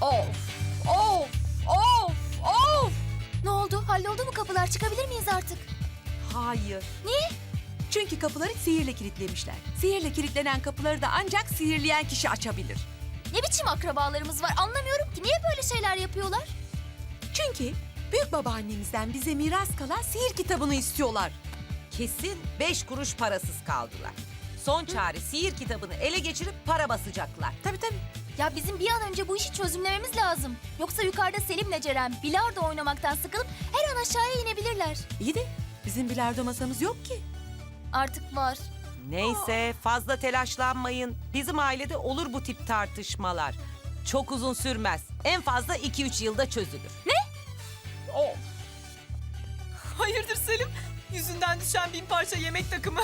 Of, of, of, of. Ne oldu? Halloldu mu kapılar? Çıkabilir miyiz artık? Hayır. Niye? Çünkü kapıları sihirle kilitlemişler. Sihirle kilitlenen kapıları da ancak sihirleyen kişi açabilir. Ne biçim akrabalarımız var anlamıyorum ki. Niye böyle şeyler yapıyorlar? Çünkü büyük babaannemizden bize miras kalan sihir kitabını istiyorlar. Kesin 5 kuruş parasız kaldılar. Son çare sihir kitabını ele geçirip para basacaklar. Tabii tabii. Ya bizim bir an önce bu işi çözümlememiz lazım. Yoksa yukarıda Selim'le Ceren bilardo oynamaktan sıkılıp her an aşağıya inebilirler. İyi de bizim bilardo masamız yok ki. Artık var. Neyse fazla telaşlanmayın. Bizim ailede olur bu tip tartışmalar. Çok uzun sürmez. En fazla 2-3 yılda çözülür. Of. Hayırdır Selim? Yüzünden düşen 1000 parça yemek takımı.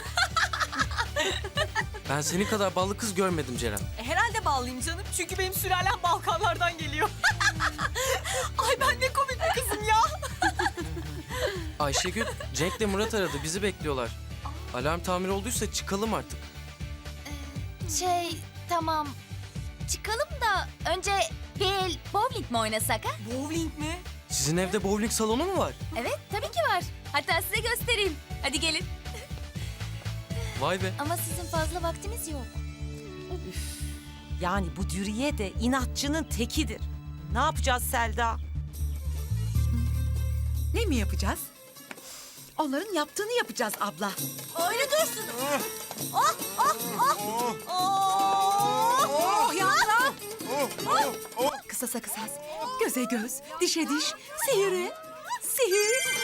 Ben senin kadar ballı kız görmedim Ceren. Herhalde ballıyım canım. Çünkü benim sülalem Balkanlardan geliyor. Ay ben ne komik bir kızım ya. Ayşegül, Cenk'le Murat aradı. Bizi bekliyorlar. Alarm tamir olduysa çıkalım artık. Tamam. Çıkalım da önce bir el bowling mi oynasak ha? Bowling mi? Sizin evde bowling salonu mu var? Evet tabii ki var. Hatta size göstereyim. Hadi gelin. Vay be. Ama sizin fazla vaktiniz yok. Yani bu Dürüye de inatçının tekidir. Ne yapacağız Selda? Ne mi yapacağız? Onların yaptığını yapacağız abla. Öyle dursun. Oh yavrum. Kısasa kısas, göze göz, dişe diş, sihire, sihir.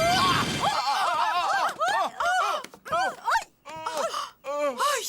Ay.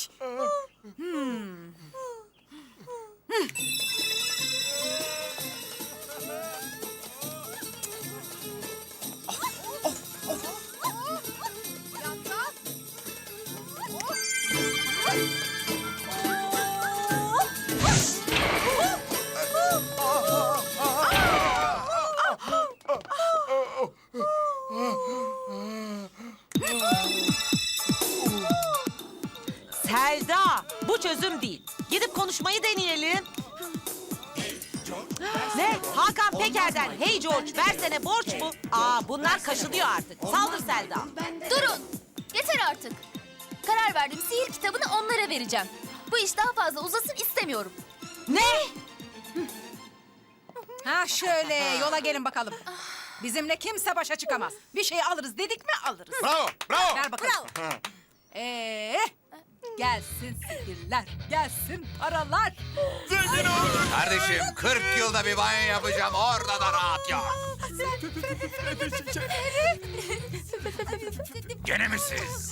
Selda, bu çözüm değil. Gidip konuşmayı deneyelim. Ne? Hakan Peker'den hey George versene borç mu? Bunlar kaşınıyor artık. Saldır Selda. Durun. Yeter artık. Karar verdim. Sihir kitabını onlara vereceğim. Bu iş daha fazla uzasın istemiyorum. Ne? Ha şöyle yola gelin bakalım. Bizimle kimse başa çıkamaz. Bir şey alırız dedik mi alırız. Bravo, bravo. Ver bakalım. Gelsin sihirler, gelsin paralar. Kardeşim 40 yılda bir banyo yapacağım. Orada da rahat yok. Gene mi siz?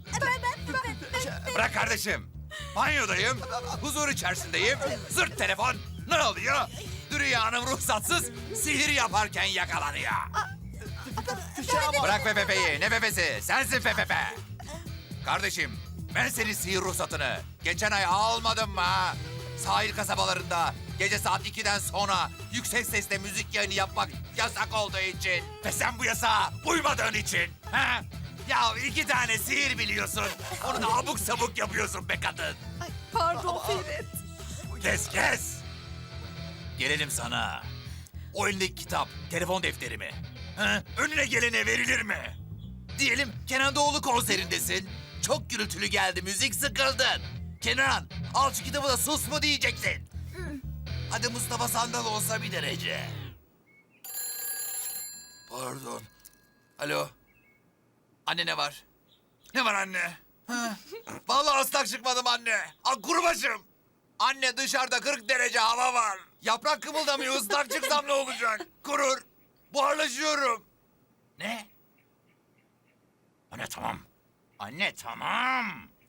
Bırak kardeşim. Banyodayım. Huzur içerisindeyim. Zırt telefon. Ne oluyor? Dürüye Hanım ruhsatsız sihir yaparken yakalanıyor. Bırak Pepe'yi. Ne Pepe'si? Sensin Pepe. Kardeşim ben senin sihir ruhsatını geçen ay almadım mı ha? Sahil kasabalarında gece saat 2'den sonra yüksek sesle müzik yayını yapmak yasak olduğu için ve sen bu yasağa uymadığın için. Ha? Ya 2 tane sihir biliyorsun. Onu da abuk sabuk yapıyorsun be kadın. Pardon Ferit. Kes. Gelelim sana. O elindeki kitap, telefon defteri mi? Ha? Önüne gelene verilir mi? Diyelim Kenan Doğulu konserindesin. Çok gürültülü geldi, müzik sıkıldın. Kenan, al şu kitabı da sus mu diyeceksin. Hadi Mustafa Sandal olsa bir derece. Pardon. Alo. Anne ne var? Ne var anne? Ha? Vallahi ıslak çıkmadım anne. Kuru başım. Anne dışarıda 40 derece hava var. Yaprak kımıldamıyor. Islak çıksam ne olacak? Kurur. Buharlaşıyorum. Ne? Anne tamam. Anne tamam.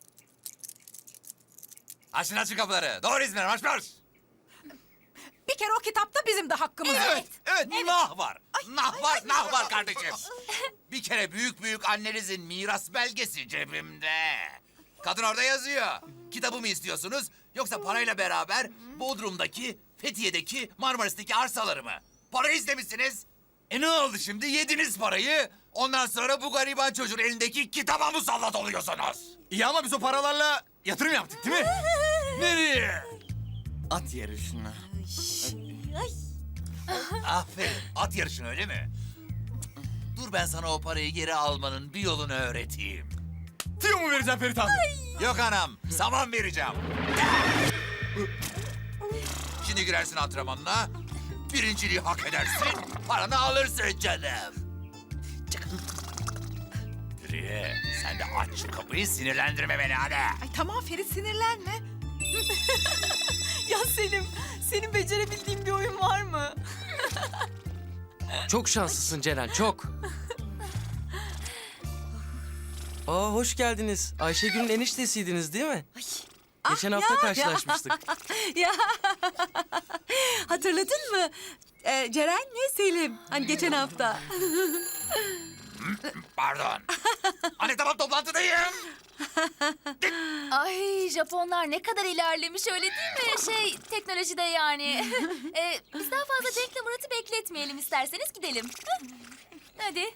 Açın kapıları. Doğru İzmir'e marş. Bir kere o kitapta bizim de hakkımız var. Evet. Nah var. Nah var kardeşim. Bir kere büyük annenizin miras belgesi cebimde. Kadın orada yazıyor. Kitabımı istiyorsunuz yoksa parayla beraber Bodrum'daki, Fethiye'deki, Marmaris'teki arsaları mı? Parayı istemişsiniz. Ne oldu şimdi? Yediniz parayı. Ondan sonra bu gariban çocuğun elindeki kitaba musallat oluyorsunuz. İyi ama biz o paralarla yatırım yaptık değil mi? Nereye? At yarışına. Aferin. At yarışına öyle mi? Dur ben sana o parayı geri almanın bir yolunu öğreteyim. Tüyo mu vereceğim Ferit abi? Yok anam, saman vereceğim. Şimdi girersin antrenmanına. Birinciliği hak edersin, paranı alırsın canım. Çık. Dürüye, sen de aç şu kapıyı, sinirlendirme beni hadi. Ay tamam Ferit sinirlenme. Ya Selim, senin becerebildiğin bir oyun var mı? Çok şanslısın Ceren, çok. Aa, hoş geldiniz. Ayşegül'ün eniştesiydiniz değil mi? Geçen hafta karşılaşmıştık. Ya hatırladın mı? Ceren'le Selim. Hani geçen hafta. Pardon. Anne tamam toplantıdayım. Ay Japonlar ne kadar ilerlemiş öyle değil mi? Teknolojide yani. Biz daha fazla Cenk'le Murat'ı bekletmeyelim isterseniz gidelim. Hı? Hadi.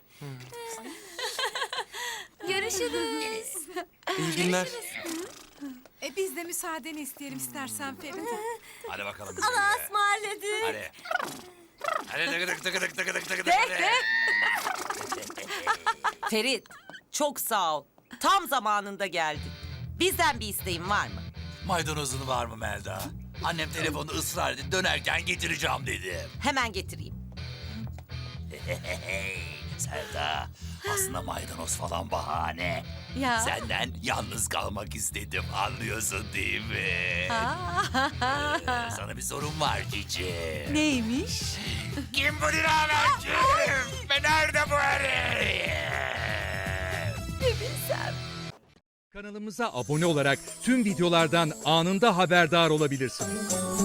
Görüşürüz. İyi günler. Biz de müsaadeni isteyelim istersen Ferit. Hadi bakalım. Allah'a ısmarladık. Hadi. Hadi tıkıdık tıkıdık tıkıdık tıkıdık. Bekle. Ferit, çok sağ ol. Tam zamanında geldin. Bizden bir isteğin var mı? Maydanozun var mı Melda? Annem telefonu ısrar etti, dönerken getireceğim dedi. Hemen getireyim. Selda, aslında maydanoz falan bahane. Ya. Senden yalnız kalmak istedim, anlıyorsun değil mi? Sana bir sorum var Cici. Neymiş? Kim bu dilavercim? Ve nerede bu herif? Kanalımıza abone olarak tüm videolardan anında haberdar olabilirsiniz.